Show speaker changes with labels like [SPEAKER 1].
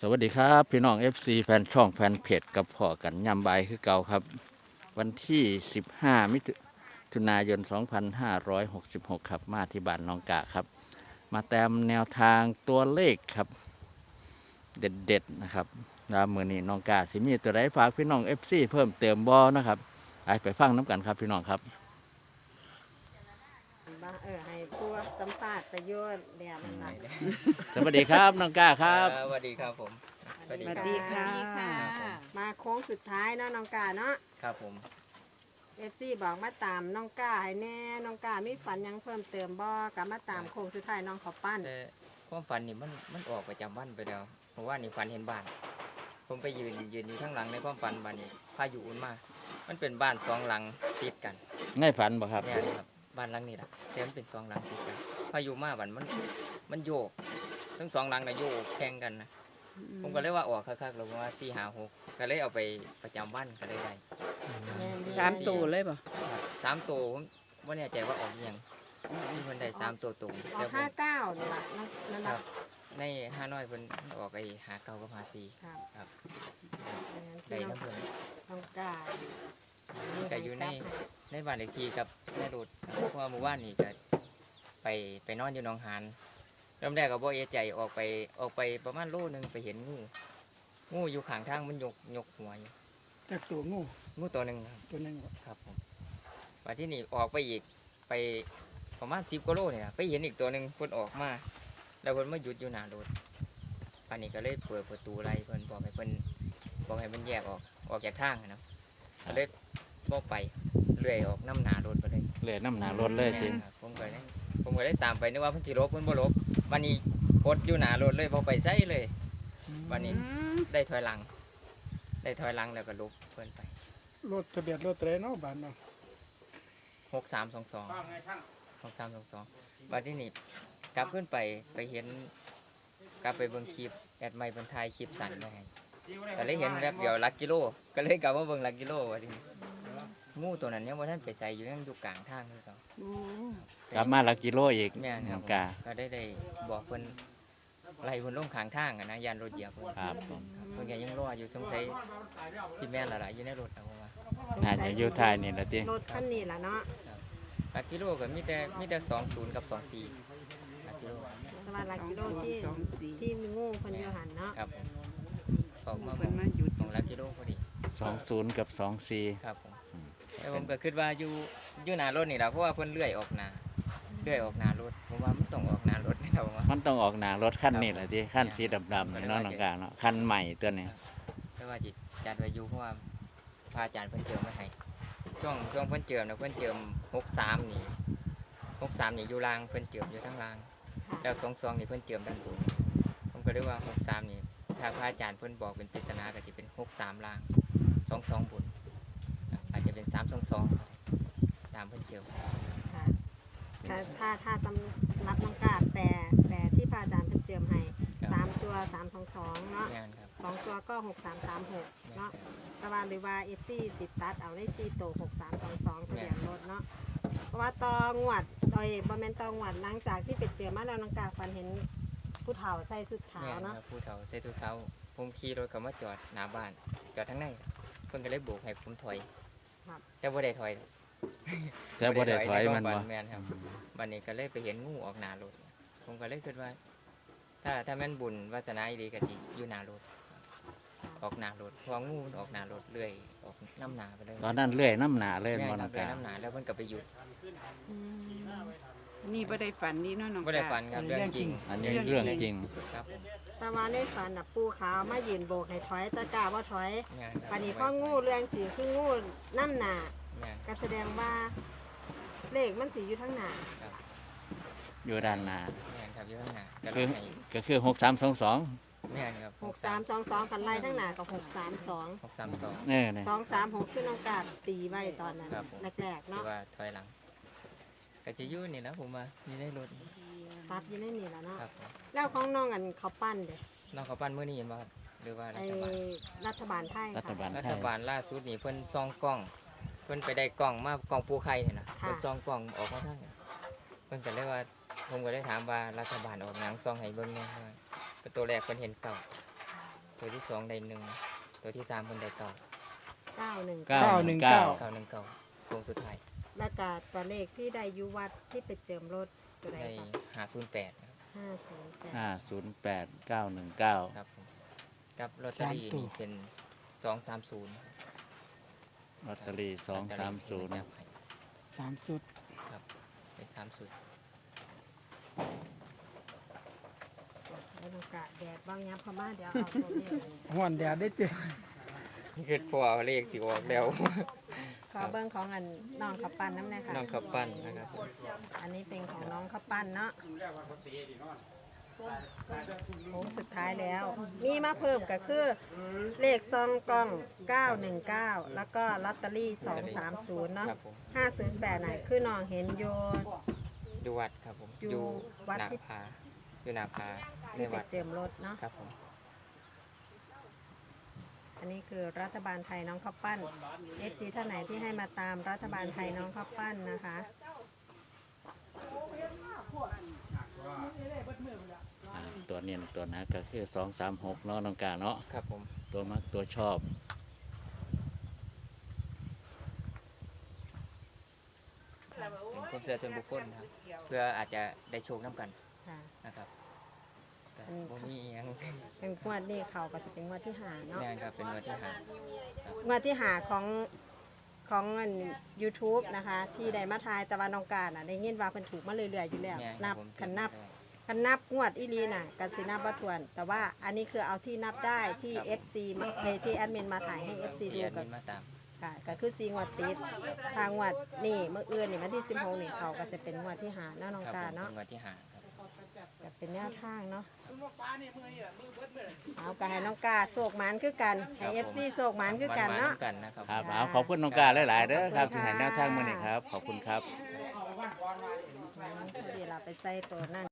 [SPEAKER 1] สวัสดีครับพี่น้อง FC แฟนช่องแฟนเพจกับพ่อกันยำใบคือเก่าครับ วันที่15มิถุนายน2566ครับมาที่บ้านน้องกะครับ มาแต้มแนวทางตัวเลขครับ เด็ดๆนะครับแล้วมือนี้น้องกะสิมีตัวใดฝากพี่น้อง FC เพิ่มเติมบ่นะครับไปฟังน้ำกันครับพี่น้องครับ
[SPEAKER 2] บ้าให้ผู้สัมภาษณ์ประโยชน์เรียนนั่นแหละ
[SPEAKER 1] สวัสดีครับน้องกะครับ
[SPEAKER 3] สวัสดีครับผม
[SPEAKER 2] สวัสดีค่ะมาโค้งสุดท้ายเนาะน้องกาเนาะ
[SPEAKER 3] ครับผม
[SPEAKER 2] FC บอกมาตามน้องกาให้แน่น้องกามีฝันหยังเพิ่มเติมบ่กับมาตามโค้งสุดท้ายน้องเขาปั้น
[SPEAKER 3] แต่ความฝันนี่มันออกประจำวันไปแล้วเพราะว่านี่ฝันเห็นบ้าน ผมไปยืนอยู่ข้างหลังในความฝันบ้านนี้พายุอุ่นมามันเป็นบ้านสองหลังติดกัน
[SPEAKER 1] ง่ายฝันบ่ครับ
[SPEAKER 3] เนี่ยนะครับบ้านหลังนี้แหละแต่มันเป็นสองหลังติดกันพายุมาบ้านมันโยกทั้งสองหลังน่ะโยกแข่งกันนะผมก็เลยว่าออกคักๆแล้วว่า4 5 6ก็เลยเอาไปประจำวันก็เลยได้
[SPEAKER 4] 3 ตัวเลยป่ะ
[SPEAKER 3] ครับ3 ตัวผมว่าแน่ใจว่าออกอิหยังมีคนได้3 ตัวตรง
[SPEAKER 2] ออ
[SPEAKER 3] แต่
[SPEAKER 2] ก
[SPEAKER 3] ผม
[SPEAKER 2] 59นี่ล่ะนั่น
[SPEAKER 3] ค
[SPEAKER 2] ล่ะ
[SPEAKER 3] รับใน5น้อยเพิ่นออกไอ้หาเก่ากับหาซี
[SPEAKER 2] ครับ
[SPEAKER 3] ครับ
[SPEAKER 2] ดั
[SPEAKER 3] ได้
[SPEAKER 2] งนั้น
[SPEAKER 3] น้ำเพิ่น
[SPEAKER 2] น้องกา
[SPEAKER 3] ก็อยู่ในบ้านเลขที่กับแม่รถเพราะว่าเมื่อวานนี่ก็ไปนอนอยู่หนองหานเริ่มแรกก็บ่เอะใจออกไปประมาณโลนึงไปเห็นงูอยู่ข้างทางมันยกหัวอยู่
[SPEAKER 4] จากตัวงู
[SPEAKER 3] งูตัวหนึงครับ
[SPEAKER 4] ตัวหนึง
[SPEAKER 3] ครับผมว่าที่นี่ออกไปอีกไปประมาณ10 กว่าโลเนี่ยไปเห็นอีกตัวหนึงเพิ่นออกมาแล้วเพิ่นมาหยุดอยู่หน้ารถป่านนี้ก็เลยเปิดประตูไล่เพิ่นบอกให้มันแยกออกจากทางอะเนาะก็เลยบ่ไปเลื่อยออกน้ำหนารถไปเลย
[SPEAKER 1] เหลือน้ำหนารถเลยจริง
[SPEAKER 3] แม่นครับผมก็ได้ตามไปนึกว่าเพิ่นสิลบเพิ่นบ่ลบวันนี้กดอยู่หน้ารถเลยบ่ไปไสเลย วันนี้ ได้ถอยหลังแล้วก็ลบเพิ่นไป
[SPEAKER 4] รถทะเบียนรถอะไรเนาะบ้านเนาะ
[SPEAKER 3] 6322วันที่นี่กลับขึ้นไปเห็นกลับไปเบิ่งคลิปแอดไมค์เพิ่นถ่ายคลิปสั้นไว้ให้ก็เลยเห็นแวบเดียวหลักกิโลก็เลยกลับมาเบิ่งหลักกิโลว่าที่นี่งูตัวนั้นยังบ่ทันไปใส่อยู่ยังอยู่กลางทางคือเก่า
[SPEAKER 1] กลับมาหลักกิโลอีก
[SPEAKER 3] แม่นค
[SPEAKER 1] น้
[SPEAKER 3] รั
[SPEAKER 1] อบ งกา
[SPEAKER 3] ก็ได้บอกเพิ่นไล่เพิ่นลงข้างทางอะนะยานรถเหยียบเพิ่น
[SPEAKER 1] ครับผม
[SPEAKER 3] เพิ่นก็ยังรออยู่สงสัยสิแม่นและล่ะอยู่ในรถนะผมว่า
[SPEAKER 1] น่าจะอยู่ท้ายนี่แหละติ
[SPEAKER 2] รถคันนี้ล่ะเนาะ
[SPEAKER 3] หลักกิโลก็มีแต่20กับ24หลักกิโล
[SPEAKER 2] แต่ว่าหลักกิโลที่มีงูเพิ่นอยู่หันเนาะ
[SPEAKER 3] ครับผมออกมา
[SPEAKER 4] เพิ่นมาหยุด
[SPEAKER 3] ของหลักกิโลพอดี
[SPEAKER 1] 20กับ24
[SPEAKER 3] ครับผมแต่ผมก็คิดว่าอยู่หน้ารถนี่ล่ะเพราะว่าเพิ่นเลื่อยออกหน้ารถผมว่ามันต้องออกหน้ารถนะครับผมว่า
[SPEAKER 1] มันต้องออกหนารถคันนี้แหละที่คันสีดำๆนี่เนาะน้องกาเนาะคันใหม่ตัวนี้
[SPEAKER 3] แต่ว่าจิจัดไว้อยู่เพราะว่าพระอาจารย์เพิ่นเจิมไว้ให้ช่วงเพิ่นเจิมนะเพิ่นเจิม63นี่อยู่ล่างเพิ่นเจิมอยู่ทั้งล่าง แล้ว22นี่เพิ่นเจิมด้านบนผมก็เลยว่า63นี่ถ้าพระอาจารย์เพิ่นบอกเป็นปริศนาก็จะเป็น63ล่าง22บนอาจจะเป็น322ตามเพิ่นเจิม
[SPEAKER 2] ค่ะถ้าสำหรับน้องกาแปลที่พระอาจารย์เพิ่นเจิมให้3ตัว322เนาะ
[SPEAKER 3] งานครับ
[SPEAKER 2] 2ตัวก็6336เนาะแต่ว่าหรือว่า FC สิตัดเอาได้4ตัว6322ทะเบียนรถเนาะเพราะว่าตองวดบ่แม่นตองวดหลังจากที่ไปเจอมาแล้วน้องกาฝันเห็นผู้เฒ่าใส่ชุดขาว
[SPEAKER 3] งาน
[SPEAKER 2] เนาะ
[SPEAKER 3] ครับผู้เฒ่าใส่ถุงเท้าผมขี่รถเข้ามาจอดหน้าบ้านจอดทั้งในเพิ่นก็เลยโบกให้ผมถอย
[SPEAKER 2] ครับ
[SPEAKER 3] แต่บ่ได้ถอย
[SPEAKER 1] แต่บ่ได้ถอยมันบ่
[SPEAKER 3] แม่นครับบัดนี้ก็เลยไปเห็นงูออกหน้ารถผมก็เลยคิดว่า ถ้าแม่นบุญวาสนาอีหลีก็สิอยู่หน้ารถออกหน้ารถเพองูมันออกหน้ารถเรื่อยออกน้ำหนาไปเลย
[SPEAKER 1] ตอนนั้นเลื่อยน้ำหนาเลย
[SPEAKER 3] แม่
[SPEAKER 1] บ่
[SPEAKER 3] นค
[SPEAKER 1] น้
[SPEAKER 3] รั
[SPEAKER 1] อบ ง
[SPEAKER 3] เรื่อย
[SPEAKER 1] กา
[SPEAKER 3] น้ำหนาแล้วเพิ่นก็ไปหยุด
[SPEAKER 4] นี่บ่ได้ฝันนี่เนาะน้อง
[SPEAKER 3] บ่ได้ฝันครับเรื่องจริง
[SPEAKER 1] อันนี้เรื่องจริง
[SPEAKER 3] ครับผม
[SPEAKER 2] แต่ว่าในฝันน่ะปูขาวมายืนโบกให้ถอยแตะกาว่าถอย
[SPEAKER 3] งานครับ
[SPEAKER 2] ปันนี้พ่องูเรื่องจริงคืองูน้ำหนา
[SPEAKER 3] แม่น
[SPEAKER 2] ก็แสดงว่าเลขมันสีอยู่ทั้งหนา
[SPEAKER 3] ครับ
[SPEAKER 1] อยู่ด้านหน้า
[SPEAKER 3] แม่นครับอยู่ข้างหน้าก็
[SPEAKER 1] คื
[SPEAKER 3] เล
[SPEAKER 1] อ
[SPEAKER 3] ยให้
[SPEAKER 1] ก็คือ6322
[SPEAKER 3] แม่นครับ
[SPEAKER 2] 6322กันไล่ทั้งหนากับ632
[SPEAKER 3] 632
[SPEAKER 1] เนี่ย
[SPEAKER 2] 236คือน้องกาบตีไว้ตอนนั้น
[SPEAKER 3] ครับผม
[SPEAKER 2] แรกๆ
[SPEAKER 3] ที่
[SPEAKER 2] เนาะ
[SPEAKER 3] ว่าถอยหลังก็จะอยู่นี่นะผมว่านี่ได้รถ
[SPEAKER 2] ซับอยู่ในนี่แหล้วเนาะ
[SPEAKER 3] ครับผม
[SPEAKER 2] แล้วของน้องอันเขาปั้นเด้
[SPEAKER 3] น้องเขาปั้นมื้อนี้เห็นบ่ครับหรือว่ารั
[SPEAKER 2] ไอ้
[SPEAKER 3] ฐบาล
[SPEAKER 2] รัฐบาลไทย
[SPEAKER 1] รัฐ
[SPEAKER 2] ค่ะ
[SPEAKER 1] บาล
[SPEAKER 3] รั
[SPEAKER 1] ไท
[SPEAKER 3] ฐ
[SPEAKER 1] ย
[SPEAKER 3] บาลล่าสุดนี่เพิ่นซองกล้อง เพิ่นไปได้กล้องมากล้องปูไข่นี่นะ
[SPEAKER 2] ค่ะ
[SPEAKER 3] เพิ่นซองกล้องออกมาทางนี้เพิ่นก็เลยว่าผมก็ได้ถามว่ารัฐบาลออกหนังซองให้เบิ่งแหน่ว่าตัวแรกเพิ่นเห็นเก่าตัวที่2ได้1ตัวที่3เพิ่นได้9
[SPEAKER 2] 919
[SPEAKER 4] 919
[SPEAKER 3] 919วงสุดท้าย
[SPEAKER 2] แล้วก็ตัวเลขที่ได้อยุวัดที่ไปเจิมรถตัวใด
[SPEAKER 3] ได้
[SPEAKER 2] ค่ะ
[SPEAKER 3] 508ครับ
[SPEAKER 2] 508
[SPEAKER 1] 508 919
[SPEAKER 3] ครับผมกับลอตเตอรี่
[SPEAKER 4] 3ตัว
[SPEAKER 3] นี่เป็น230
[SPEAKER 1] ลอตเตอรี่
[SPEAKER 3] ลอตเตอรี่ที่
[SPEAKER 1] 230
[SPEAKER 3] มันจับให้
[SPEAKER 4] 3สุด
[SPEAKER 3] ครับเป็น3สุด
[SPEAKER 2] แล้วน้องกะแดดบ้างยับเข้ามาเดี๋ยวเอาตัวเลข
[SPEAKER 4] ฮ้อนแดดได้ติ
[SPEAKER 3] คือพอเลขสิออกแล้ว
[SPEAKER 2] ขอเบิ้งของอันน้องขับปั้นน้ำแน่ค่ะ
[SPEAKER 3] น้องขับปั้นนะครับผม
[SPEAKER 2] อันนี้เป็นของน้องขับปั้นเนาะโค้งสุดท้ายแล้ว มีมาเพิ่มก็คือเลขซองกล้อง 919 แล้วก็ลอตเตอรี่ 230 เนาะ
[SPEAKER 3] ครับผม
[SPEAKER 2] 508ไหนคือน้องเห็นโย
[SPEAKER 3] อยู่วัดครับผม
[SPEAKER 2] อยู่วัด
[SPEAKER 3] หนา
[SPEAKER 2] ที่
[SPEAKER 3] ผาอยู่หนาผาใน
[SPEAKER 2] ที่ไป
[SPEAKER 3] วัด
[SPEAKER 2] เจิมรถเนาะ
[SPEAKER 3] ครับผม
[SPEAKER 2] อันนี้คือรัฐบาลไทยน้องข้าวปั้น FC ท่านไหนที่ให้มาตามรัฐบาลไทยน้องข้าวปั้นนะคะ
[SPEAKER 1] ตัวเนียนตัวนะก็คือ236เนาะน้องกาเนาะ
[SPEAKER 3] ครับผม
[SPEAKER 1] ตัวมักตัวชอบ
[SPEAKER 3] เป็นความเชื่อส่วนบุคคลครับเพื่ออาจจะได้โชคน้ำกัน
[SPEAKER 2] ค่ะ
[SPEAKER 3] นะครับแต่บ่มีอิหยัง
[SPEAKER 2] เป็นงวดนี้เขาก็จะเป็นงวดที่หาเนาะ
[SPEAKER 3] แน่ครับเป็นวันที่หาง
[SPEAKER 2] วดที่หาของอัน YouTube นะคะ ที่ได้มาทายตะวันองการอ่ะได้ยินว่าเพิ่นถูกมาเรื่อยๆอยู่แล้ว
[SPEAKER 3] แน่ค
[SPEAKER 2] นั
[SPEAKER 3] รับบ ผม
[SPEAKER 2] คันนับงวดอีหลีน่ะกันสินับบ่ถ้วน แต่ว่าอันนี้คือเอาที่นับได้ที่ FC มาที่แอดมินมาถ่ายให้ FC
[SPEAKER 3] ที่
[SPEAKER 2] ดู
[SPEAKER 3] แอด
[SPEAKER 2] กั
[SPEAKER 3] มิ
[SPEAKER 2] น
[SPEAKER 3] นมาตาม
[SPEAKER 2] ค่ะก็คือ4งวดติดทางงวดนี่เมื่ออื่นนี่วันที่16นี่เขาก็จะเป็นงวดที่หาเนาะน้อง
[SPEAKER 3] ครับ
[SPEAKER 2] กา
[SPEAKER 3] ผม
[SPEAKER 2] เนาะ
[SPEAKER 3] เป็นวันที่หางครับ
[SPEAKER 2] ก็เป็นแนวทางเนาะเอาก็ให้น้องกาโศกหมานคือกันให้ FC โศกหมานคือกันเนาะ
[SPEAKER 3] กันนะครับ
[SPEAKER 1] ครับเอาขอบคุณน้องกาหลายๆเด้อครับที่ให้แนวทางมื้อนี้ครับ ขอบคุณครับ
[SPEAKER 2] เดี๋ยวเราไปใส่ตัวนั่น